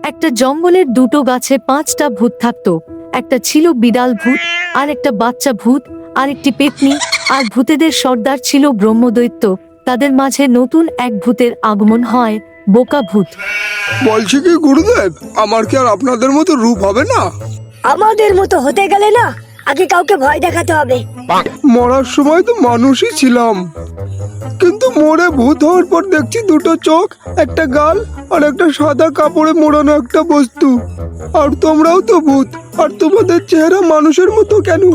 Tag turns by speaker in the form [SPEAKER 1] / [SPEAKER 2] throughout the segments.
[SPEAKER 1] একটা জঙ্গলের দুটো গাছে 5টা ভূত থাকতো। একটা ছিল বিড়াল ভূত, আর একটা বাচ্চা ভূত, আর একটি পেতনি। আর ভূতেদের সর্দার ছিল ব্রহ্মদৈত্য। তাদের মাঝে নতুন এক ভূতের আগমন হয়, বোকা ভূত।
[SPEAKER 2] বলছি কি গুরুদেব, আমার কি আর আপনাদের মতো রূপ হবে না?
[SPEAKER 3] আমাদের মতো হতে গেলে না আগে কাউকে ভয় দেখাতে হবে।
[SPEAKER 2] মরার সময় তো মানুষই ছিলাম, কিন্তু মরে ভূত হওয়ার পর দেখছি দুটো চোখ, একটা গাল আর একটা সাদা কাপড়ে মোড়ানো একটা বস্তু। আর তোমরাও তো ভূত, আর তোমাদের চেহারা মানুষের মতো কেন?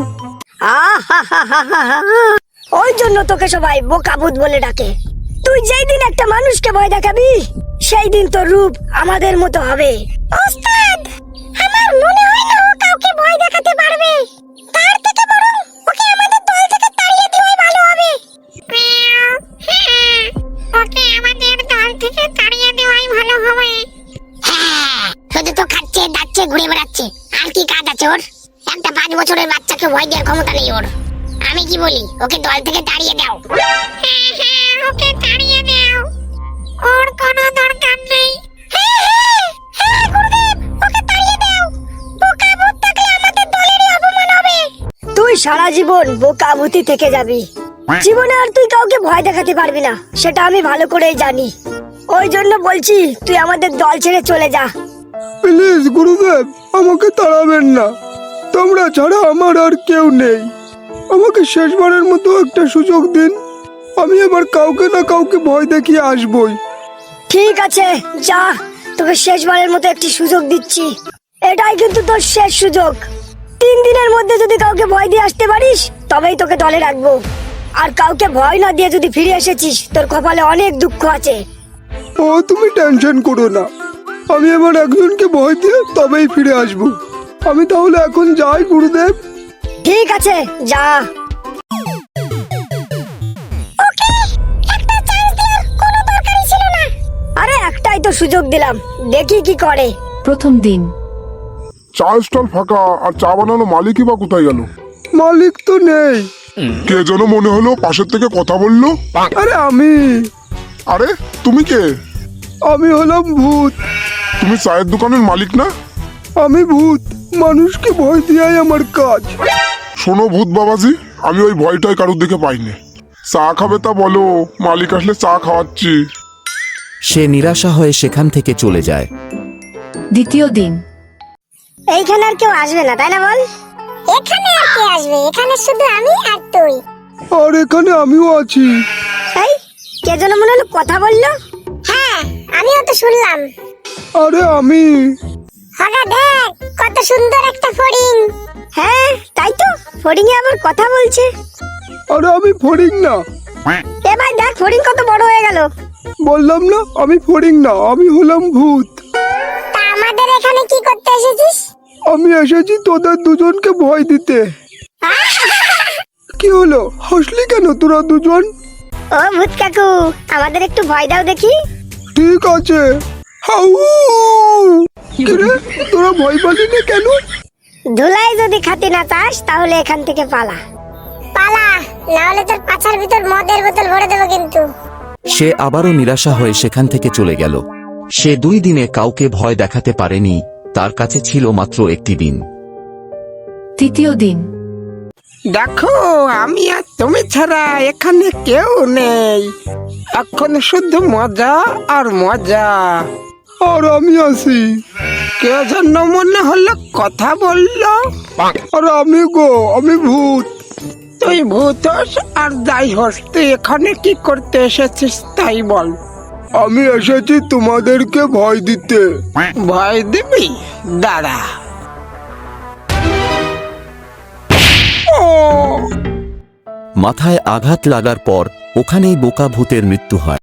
[SPEAKER 3] ওই জন্য তোকে সবাই বোকা ভূত বলে ডাকে। তুই যেই দিন একটা মানুষকে ভয় দেখাবি সেই দিন তোর রূপ আমাদের মতো হবে। ওস্তাদ, আমার মনে হয় না ও কাউকে ভয় দেখাতে পারবে। তার থেকে বরং ওকে আমাদের দল থেকে তাড়িয়ে দেওয়াই ভালো হবে।
[SPEAKER 4] ওকে আমাদের দল থেকে তাড়িয়ে দেওয়াই ভালো হবে।
[SPEAKER 5] হ্যাঁ, শুধু তো খাচ্ছে দাচ্ছে ঘুরে বেড়াচ্ছে, আর কি কাজ আছে ওর? একটা 5 বছরের বাচ্চাকে ভয় দেওয়ার ক্ষমতা নেই ওর। আমি কি বলি, ওকে দল থেকে তাড়িয়ে দাও।
[SPEAKER 4] হ্যাঁ, ওকে তাড়িয়ে দাও, ওর কোনো দরকার নেই।
[SPEAKER 5] গুরুদেব, ওকে তাড়িয়ে দাও। বোকা ভূত থাকলে আমাদের দলেরই অপমান হবে।
[SPEAKER 3] তুই সারা জীবন বোকা ভূতি থেকে যাবি। জীবনে আর তুই কাউকে ভয় দেখাতে পারবি না, সেটা আমি ভালো করেই জানি। ওই জন্য বলছি তুই আমাদের দল ছেড়ে চলে যা।
[SPEAKER 2] প্লিজ গুরুদেব, আমাকে তাড়াবেন না। তোমরা ছাড়া আমার আর কেউ নেই। আমাকে শেষবারের মতো একটা সুযোগ দিন। আমি এবার কাউকে না কাউকে ভয় দেখিয়ে আসবই।
[SPEAKER 3] ঠিক আছে, যা, তোকে শেষবারের মতো একটি সুযোগ দিচ্ছি। এটাই কিন্তু তোর শেষ সুযোগ। 3 দিনের মধ্যে যদি কাউকে ভয় দিয়ে আসতে পারিস তবেই তোকে দলে রাখবো। আর কাউকে ভয় না দিয়ে যদি ফিরে এসেছিস তোর কপালে অনেক দুঃখ আছে।
[SPEAKER 2] ও তুমি টেনশন করো না, আমি এবার একজনকে ভয় দিয়ে তবেই ফিরে আসবো। আমি তাহলে এখন যাই গুরুদেব।
[SPEAKER 3] ঠিক আছে, যা। আরে একটাই তো সুযোগ দিলাম, দেখি কি করে।
[SPEAKER 1] প্রথম দিন।
[SPEAKER 6] চা স্টল ফাঁকা, আর চা বানানো মালিকই বা কোথায় গেল?
[SPEAKER 2] মালিক তো নেই।
[SPEAKER 6] কে যেন মনে হলো পাশের থেকে কথা বললো।
[SPEAKER 2] আরে আমি
[SPEAKER 6] আরে তুমি কে?
[SPEAKER 2] আমি হলাম ভূত।
[SPEAKER 6] তুমি চায়ের দোকানের মালিক না?
[SPEAKER 2] আমি ভূত, মানুষকে ভয় দেওয়াই আমার কাজ।
[SPEAKER 6] শোনো ভূত বাবাজি, আমি ওই ভয়টাই কারোর দিকে পাইনি। চা খাবে তা বলো, মালিক আসলে চা খাওয়াচ্ছি।
[SPEAKER 7] সে নিরাশা হয়ে সেখান থেকে চলে যায়।
[SPEAKER 1] দ্বিতীয় দিন।
[SPEAKER 3] এইখানে আর কেউ আসবে না, তাই না বল?
[SPEAKER 5] এখানে আর কে আসবে? এখানে শুধু আমি আর তুই।
[SPEAKER 2] আর এখানে আমিও আছি।
[SPEAKER 3] এই, কে যেন মনে হলো কথা বললো।
[SPEAKER 5] হ্যাঁ, আমিও তো শুনলাম।
[SPEAKER 2] আরে আমি।
[SPEAKER 5] হঠাৎ দেখ, কত সুন্দর একটা ফড়িং।
[SPEAKER 3] হ্যাঁ, তাই তো, ফড়িং এ আবার কথা বলছে।
[SPEAKER 2] আরে আমি ফড়িং না।
[SPEAKER 3] এ ভাই দেখ, ফড়িং কত বড় হয়ে গেল।
[SPEAKER 2] বললাম না আমি ফড়িং না, আমি হলাম ভূত।
[SPEAKER 5] তা আমাদের এখানে কি করতে এসেছিস?
[SPEAKER 2] আমি এসেছি তোদের দুজনকে ভয় দিতে। কি হলো, হাসলি কেন তোরা দুজন?
[SPEAKER 3] ও ভূত কাকু, আমাদের একটু ভয় দাও দেখি।
[SPEAKER 2] ঠিক আছে। হাউ! কিরে, তোরা ভয় পালি না কেন?
[SPEAKER 3] ধুলাই যদি খাতি না চাস তাহলে এখান থেকে পালা।
[SPEAKER 5] পালা, না হলে তোর পাছার ভিতর মদের বোতল ভরে দেবো কিন্তু।
[SPEAKER 7] সে আবারও নিরাশা হয়ে সেখান থেকে চলে গেল। সে 2 দিনে কাউকে ভয় দেখাতে পারেনি, তার কাছে ছিল মাত্র একটি দিন।
[SPEAKER 1] তৃতীয় দিন।
[SPEAKER 8] দেখো, আমি আর তুমি ছাড়া এখানে কেউ নেই। এখন শুধু মজা আর মজা।
[SPEAKER 2] আর আমি আছি।
[SPEAKER 8] কে যেন মনে হলো কথা বললো।
[SPEAKER 2] আর আমি গো, আমি ভূত।
[SPEAKER 8] তুই ভূত হোস আর যাই হোস, তুই এখানে কি করতে এসেছিস তাই বল।
[SPEAKER 2] আমি এসেছি তোমাদেরকে ভয় দিতে।
[SPEAKER 8] ভয় দিবি? দাঁড়া।
[SPEAKER 7] মাথায় আঘাত লাগার পর ওখানেই বোকা ভূতের মৃত্যু হয়।